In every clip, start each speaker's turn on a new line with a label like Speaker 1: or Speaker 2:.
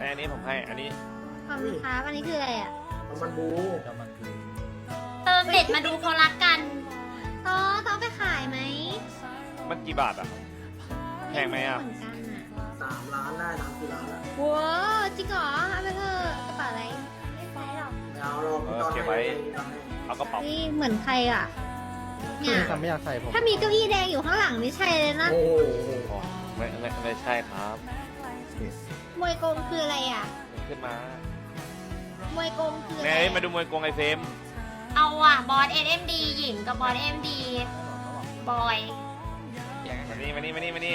Speaker 1: อันนี้ผมให้อันนี้
Speaker 2: ขอบคุณครับอันนี้คืออะไรอ่ะ
Speaker 3: มันบู
Speaker 4: เติมเด็ดมาดูเขารักกัน
Speaker 2: ต้องไปขายไหม
Speaker 1: มันกี่บาทอ่ะแพงไหมอ่ะ
Speaker 2: เหมือนกันอ่ะ
Speaker 3: 3 ล้านได้3-4 ล้านแล้ว
Speaker 2: ว้าวจริงเหรอเอาไปเถอะกระเป๋าอะไรไม่ใช่หรอก
Speaker 3: ไม่เอาเราตอนให้
Speaker 1: เอากระเป๋า
Speaker 2: นี่เหมือนใครอ่ะเนี่ย
Speaker 5: ไม่อยากใส่ผม
Speaker 2: ถ้ามีเก้าอี้แดงอยู่ข้างหลังนี่ใช่เลยนะ
Speaker 3: โอ้โห
Speaker 1: อ๋อไม่ใช่ครับ
Speaker 2: มวยกงคืออะไรอ่ะ
Speaker 1: ขึ้นมาม
Speaker 2: วยกงคืออะไร
Speaker 1: แม่มาดูมวยกงไอเฟม
Speaker 4: เอาอ่ะบอส SMD หญิงกับบอส MD บอย
Speaker 1: มานี่ก่อน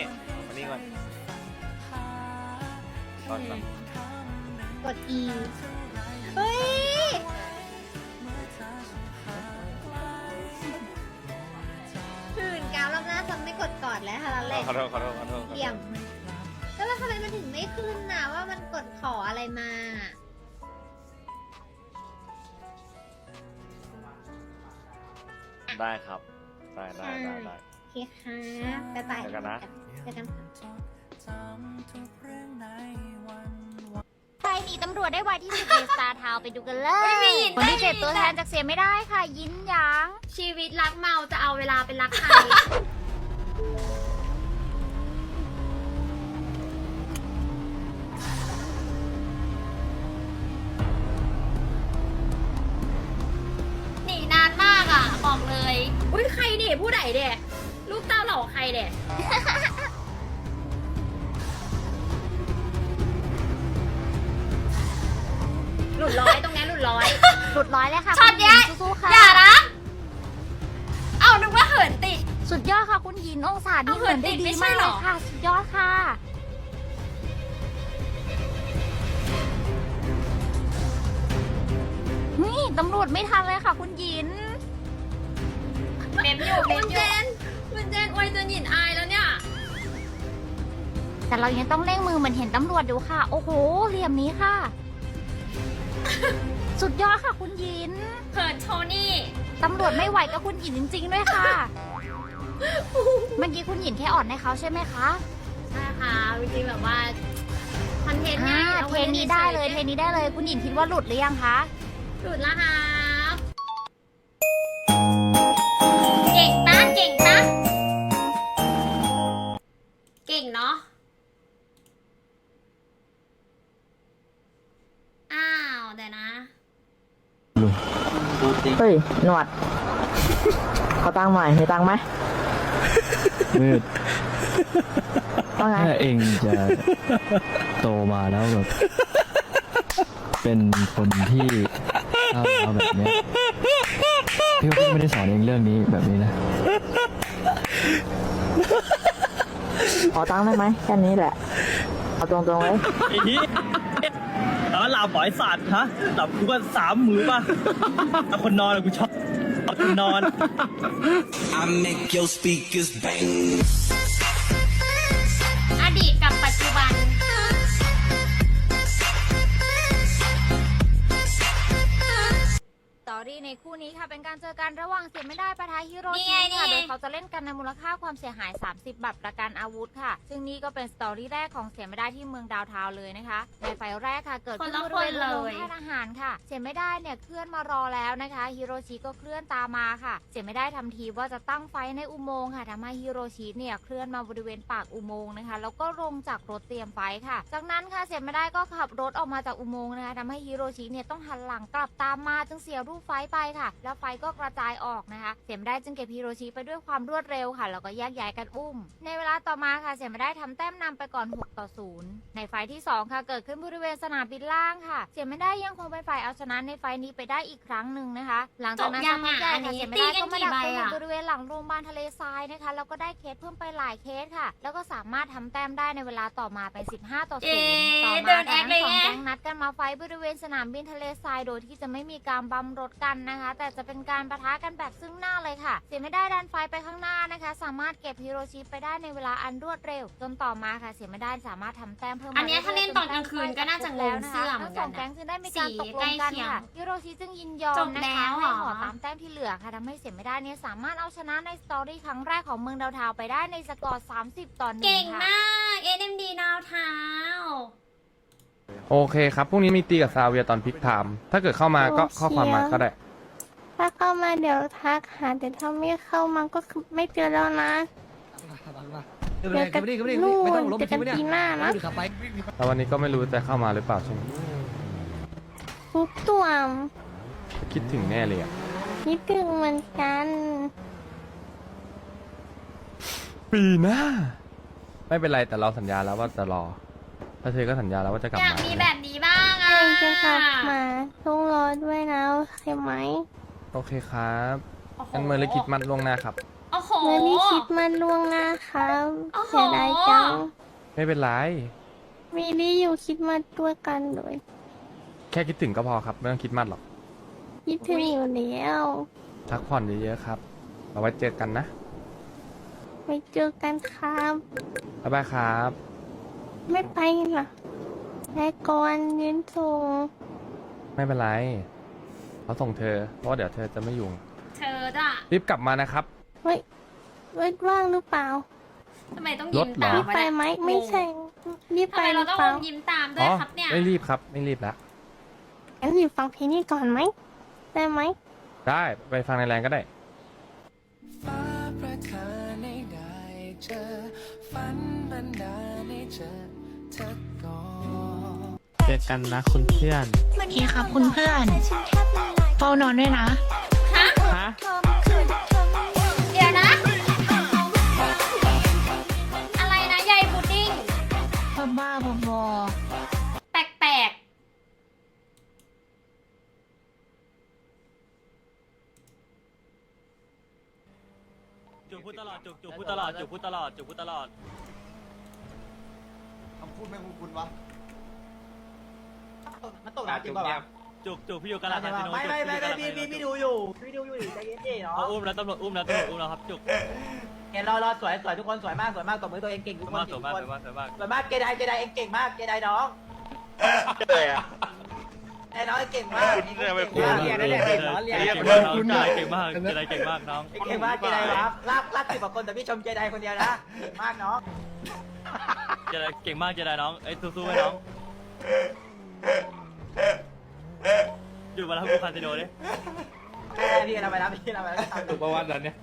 Speaker 1: ตอนก่อน
Speaker 2: กด E เฮ้ยหื่นกาวรอบหน้าจะไม่กดกอดแล้วค่ะแล้วแหละ
Speaker 1: ขอโทษ
Speaker 2: เยี่ยมแล้วทำไมมันถึงไม่ขึ้นน่ะว่ามันกดขออะไรมา
Speaker 1: ได้ครับได้
Speaker 2: โอเคค่ะบ๊ายบาย
Speaker 1: เจอกันนะ
Speaker 2: เจอกันค่ะ
Speaker 6: ใครหนีตำรวจได้ไวที่สุดในสตาร์ทาวไปดูกันเลยคนที่เจ็บตัวแทนจากเสียไม่ได้ค่ะ ยินหยาง
Speaker 4: ชีวิตรักเมาจะเอาเวลาเป็นรักใคร หนีนานมากอ่ะ บอกเลย อุ้ยใครเด็ผู้ใดเด็ลูกเต้าเหล่าใครเด็ หลุดร้อยตรงนี้หลุดร้อย
Speaker 6: หลุดร้อยเลยค่ะ
Speaker 4: ช็อตเนี้ย
Speaker 6: คุณหญิงสู้ๆค่ะ
Speaker 4: อย่านะ เอานึกว่าเหินติด
Speaker 6: สุดยอดค่ะคุณหญิงองศานี่
Speaker 4: เอา
Speaker 6: เหินได้
Speaker 4: เหินติด
Speaker 6: ดี
Speaker 4: ไม่ใช่
Speaker 6: มาก
Speaker 4: หร
Speaker 6: เล
Speaker 4: อ
Speaker 6: ยค่ะ สุดยอดค่ะนี่ตำรวจไม่ทันเลยค่ะ คุณหญิง
Speaker 4: เมมอยู่คุณเจนอวยจนหยินอายแล้วเนี่ย
Speaker 6: แต่เรายังต้องเร่งมือเหมือนเห็นตำรวจอยู่ค่ะ โอ้โหเหลี่ยมนี้ค่ะ สุดยอดค่ะคุณหญิง
Speaker 4: เขินโทนี่
Speaker 6: ตำรวจไม่ไหวกับคุณหญิงจริง ๆ ด้วยค่ะ เมื่อกี้คุณหญิงแค่อ่อนให้เขาใช่ไหมคะ
Speaker 4: ใช่ค่ะจริงๆแบบว่าคอนเทนต์
Speaker 6: อ่า
Speaker 4: เนี่ย
Speaker 6: เทนนี้ได้เลยเทนนี้ได้เลย คุณหญิงคิดว่าหลุดหรือยังคะ
Speaker 4: หลุดแล้วครับเก่งปะเก่งปะเก่งเนาะอ้าวเดี๋ยวนะ
Speaker 7: เฮ้ย หนวด เขาตั้งใหม่มีตังค์ไหม
Speaker 8: มืด
Speaker 7: ว่าไง
Speaker 8: ถ้าเองจะโตมาแล้วแบบเป็นคนที่ก้าวร้าวแบบเนี้ยพี่ก็ไม่ได้สอนเองเรื่องนี้แบบนี้นะ
Speaker 7: ขอตังค์ได้ไหมแค่นี้แหละ เอาตรงๆเลย
Speaker 5: อีนี้หลับบ่อยสัตว์ฮะหลับกูก็3 มือป่ะเอาคนนอนอะกูชอบเอาคนนอน
Speaker 9: I make your speakers bang.
Speaker 4: อดีตกับปัจจุบัน
Speaker 6: สตอรี่ในคู่นี้ค่ะเป็นการเจอกันระหว่างเสียไม่ได้ปะทะฮิโร
Speaker 4: นี่
Speaker 6: ชิ
Speaker 4: ไง
Speaker 6: ค่ะ
Speaker 4: นี่
Speaker 6: โดยเขาจะเล่นกันในมูลค่าความเสียหาย 30 บาทประกันอาวุธค่ะ ซึ่งนี่ก็เป็นสตอรี่แรกของเสียไม่ได้ที่เมืองดาวทาวน์เลยนะคะในไฟล์แรกค่ะเกิดขึ้นบริเวณโรงค่ายทหารค่ะ เสียไม่ได้เนี่ยเคลื่อนมารอแล้วนะคะฮิโรชิก็เคลื่อนตามมาค่ะ เสียไม่ได้ทำทีว่าจะตั้งไฟในอุโมงค์ค่ะทำให้ฮิโรชิเนี่ยเคลื่อนมาบริเวณปากอุโมงค์นะคะแล้วก็ลงจากรถเตรียมไฟค่ะ จากนั้นค่ะเสียไม่ได้ก็ขับรถออกมาจากอุโมงค์นะคะทำให้ฮิโรชิเนี่ยต้องหันหลังกลับตามมาจึงเสียรูปไฟไปค่ะ แล้วไฟก็กระจายออกนะคะ เสียไม่ได้จึงเก็บฮิโรชิไปด้วยความรวดเร็วค่ะแล้วก็แยกย้ายกันอุ้มในเวลาต่อมาค่ะเสียไม่ได้ทำแต้มนำไปก่อน6-0ในไฟที่2ค่ะเกิดขึ้นบริเวณสนามบินล่างค่ะ เสียไม่ได้ยังคงเป็นฝ่ายเอาชนะในไฟนี้ไปได้อีกครั้งหนึ่งนะคะ หลังจากนั้นสักพักใหญ่ค่ะเสียไม่ได้ก็มาดักตัวอยู่บริเวณหลังโรงพยาบาลทะเลทรายนะคะแล้วก็ได้เคสเพิ่มไปหลายเคสค่ะ แล้วก็สามารถทำแต้มได้ในเวลาต่อมาเป็น15-0ต่อมาทั้งสองแก๊งนัดกันมาไฟบริเวณสนามบินทะเลทรายโดยที่จะไม่มีการบัมรถกันนะคะ แต่จะเป็นการปะทะกันแบบซึ่งหน้าเลยค่ะ เสียไม่ได้ดันไฟไปข้างหน้านะคะ สามารถเก็บฮิโรชิไปได้ในเวลาอันรวดเร็วจนต่อมาค่ะเสียไม่ได้สามารถทำแต้มเพิ่ม
Speaker 4: อันเนี้ยถ้าเล่นตอนกลางคืนก็น่าจะงงเสื้อเหมื
Speaker 6: ทั้
Speaker 4: อน
Speaker 6: งส
Speaker 4: กั
Speaker 6: อน ง
Speaker 4: นะ
Speaker 6: แก๊งจึงได้มีการตกลงกันค่ะฮิโรชิจึงยินยอ
Speaker 4: จ
Speaker 6: ม
Speaker 4: บ
Speaker 6: นะ
Speaker 4: แล้
Speaker 6: คะ
Speaker 4: วเหร
Speaker 6: ให้
Speaker 4: อ
Speaker 6: ขอตามแต้มที่เหลือค่ะทำให้เสียไม่ได้เนี่ยสามารถเอาชนะในสตอรี่ครั้งแรกของเมืองดาวเทาวน์ไปได้ในสกอร์30-1
Speaker 4: เก่ง
Speaker 6: ค่ะ
Speaker 4: มาก NMD ดาวเท้า
Speaker 10: โอเคครับพรุ่งนี้มีตีกับซาเวียตอนพิกไทม์ถ้าเกิดเข้ามาก็ข้อความมาก็ได้
Speaker 2: ถ้าเข้ามาเดี๋ยวทักหาแต่ถ้าไม่เข้ามาก็คือไม่เจอแล้วนะเจอกันนู่นเจอกันปีหน้านะ
Speaker 10: แล้ววันนี้ก็ไม่รู้จะเข้ามาหรือเปล่าใช่ไหม
Speaker 2: ทุกตัว
Speaker 10: คิดถึงแน่เลยอะ
Speaker 2: คิดถึงเหมือนกัน
Speaker 10: ปีหน้า ไม่เป็นไรแต่เราสัญญาแล้วว่าจะรอ ถ้าเธอก็สัญญาแล้วว่าจะกลับ
Speaker 4: อยาก
Speaker 10: มา
Speaker 4: มีแบบนี้บ้างอ่ะ
Speaker 2: เองจะกลับมาต้องรอด้วยนะโอเคไหม
Speaker 10: โอเคครับงั้นเมื่อลิคิดมันล่วงหน้าครับ
Speaker 4: โอ้โห
Speaker 2: เมื่อนี้คิดมันล่วงหน้าครับ
Speaker 4: โอ้โห
Speaker 2: เสียดายจัง
Speaker 10: ไม่เป็นไร
Speaker 2: ไม่ได้อยู่คิดมาด้วยกันเลย
Speaker 10: แค่คิดถึงก็พอครับไม่ต้องคิดมากหรอก
Speaker 2: คิดถึงอยู่แล้ว
Speaker 10: พักผ่อนเยอะๆครับเอาไว้เจอกันนะ
Speaker 2: ไปเจอกันครับ
Speaker 10: บ๊ายบายครับ
Speaker 2: ไม่ไปหรอแม่ก่อนยืนส่ง
Speaker 10: ไม่เป็นไรเขาส่งเธอเพราะว่าเดี๋ยวเธอจะไม่อยู่
Speaker 4: เธอจ้ะ
Speaker 10: รีบกลับมานะครับ
Speaker 2: เฮ้ยว่างหรือเปล่า
Speaker 4: ทำไมต้องยิ้มตาม
Speaker 2: รีบ
Speaker 4: วะ
Speaker 2: ไป
Speaker 4: เนี่ย
Speaker 2: ไหมไม่ใช่รีบ
Speaker 4: ทำ
Speaker 2: ไป
Speaker 4: ไม
Speaker 2: ห
Speaker 4: เรา
Speaker 2: รือ
Speaker 4: ต้อง
Speaker 2: เปล่า
Speaker 4: อมยิ้มตามด้วยครับเนี่ย
Speaker 10: ไม่รีบครับไม่รีบแล้ว
Speaker 2: งั้นอยู่ฟังเพลงนี้ก่อนไหมได้ไหม
Speaker 10: ได้ไปฟังในแรงก็ได้
Speaker 9: ฟ้าประทานให้ได้เจอฝันบันดาลให้เจอเธอก่อน
Speaker 7: เจอกันนะคุณเพื่อน
Speaker 6: พี่ครับคุณเพื่อนเฝ้านอนด้วยนะ
Speaker 4: ฮะ
Speaker 7: ฮะ
Speaker 4: เดี๋ยวนะ อะไรนะยายพุดดิ้ง
Speaker 6: บ้าๆบอ
Speaker 4: แปลก
Speaker 5: จุกพูดตลอดจุกพูดตลอดจุกพูดตลอดจุกพูดตลอด
Speaker 3: คำพูดไม่คุ้นวะ
Speaker 5: มันตกน้ำจริงป่ะจุกพี่อยู่กาลาคาสิโนพี่ดูอยู่ใจเย็นๆเนาะอุ้มแล้วตำรวจอุ้มแล้วครับจุก
Speaker 7: เห็นรอสวยทุกคนสวยมากตบมือตัวเองเก่งทุกคน
Speaker 5: สวยมาก
Speaker 7: สวยมากเกไดเองเก่งมากเกไดน้อง
Speaker 1: เลยอ่ะ
Speaker 7: ไอ้น้องเก่งมาก
Speaker 1: คุณเนี่ยไม่คุ้น
Speaker 7: เรียนได้เก่งเนาะเรียน
Speaker 5: เก่งมากเก่งมากน้อง
Speaker 7: เก่งมากเกไดครับลาก10กว่าคนแต่พี่ชมเกไดคนเดียวนะเก่งมากน้อง
Speaker 5: เก่งมากเจไดน้องไอ้สู้ๆไว้น้องอยู่มาแล้วกูคาสิโนดิ
Speaker 7: พี่เราไปรับพี่เราไปรับ
Speaker 5: ถูกประวัตินั้นเนี่ย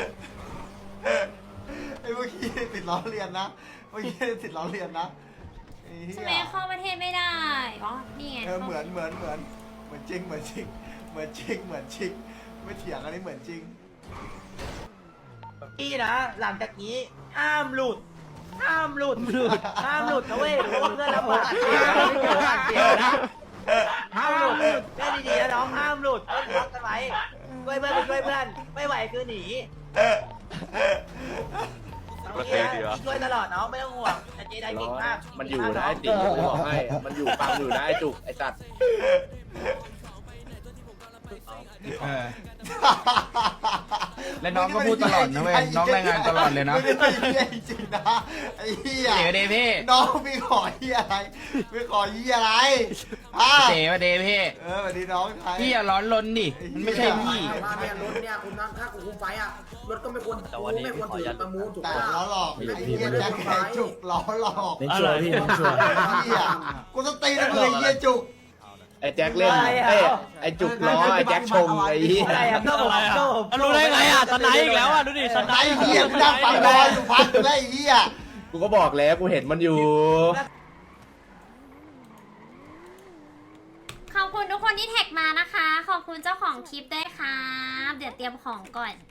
Speaker 3: ไอ้เมื่อกี้ติดล้อเลียนนะเมื่อกี้ติดล้อเลียนนะไอ้
Speaker 4: ๆ
Speaker 3: เหี้
Speaker 4: ใช่ไหม
Speaker 3: ย
Speaker 4: เข้าประเทศไม่ได้อ๋อนี่ไง
Speaker 3: เหมือนจริงไม่เถียงอันนี้เหมือนจริง
Speaker 7: พี่นะหลังจากนี้ห้ามหลุดนะเว้ยเพราะว่าเพื่อนเราบาดเจ็บนะห้ามหลุดเล่นดีๆนะน้องห้ามหลุดต้องรักกันไว้ช่วยเพื่อนไม่ไหวคือหนี
Speaker 1: ประเทศดีวะ
Speaker 7: ช่วยตลอดน้องไม่ต้องห่วงแต่เจไดเก่งมาก
Speaker 11: มันอยู่นะไอ้ติ๋มกูบอกให้ มันอยู่ฟังอยู่นะไอ้จุกไอ้สัตว์
Speaker 3: และน้องก็พูดตลอดนะเว้ยน้องรายงานตลอดเลยนะไม่ได้เหี้ยจริงนะไอ้เหี้ยเดี๋ยวพี่น้องไม่ขอเหี้ยอะไรเดี๋ยวเดพี่สวัสดีน้องไทย
Speaker 7: พี่อย่าร้อนรนดิมันไม่ใช่พี่
Speaker 3: ว่าเนี่ยรถเนี่ยคุณนั่งถ้าคุณคุมไฟอ่ะรถก็ไม่ควรถือประมูลถูกแต่ล้อหลอกไอ้เหี้ยแจ็คแขจุกล้อหลอก
Speaker 5: อะไรพี่
Speaker 3: เหี้ยกูต้องตีนะเลยเหี้ยจุก
Speaker 11: ไอ้แจ็คเล่นไอ้จุกล้อไอ้แจ็คชงไอ้เหี้ย
Speaker 7: อะไรอ่ะก็ผมก็
Speaker 5: รู้ได้ไงอ่ะสไนอีกแล้วอ่ะดูดิสไน
Speaker 3: ไอ้เหี้ยกูนั่งฟังรออยู่พักอยู่แล้วไอ้เหี้ย
Speaker 11: กูก็บอกแล้วกูเห็นมันอยู่
Speaker 4: ขอบคุณทุกคนที่แท็กมานะคะ ขอบคุณเจ้าของคลิปด้วยครับ เดี๋ยวเตรียมของก่อน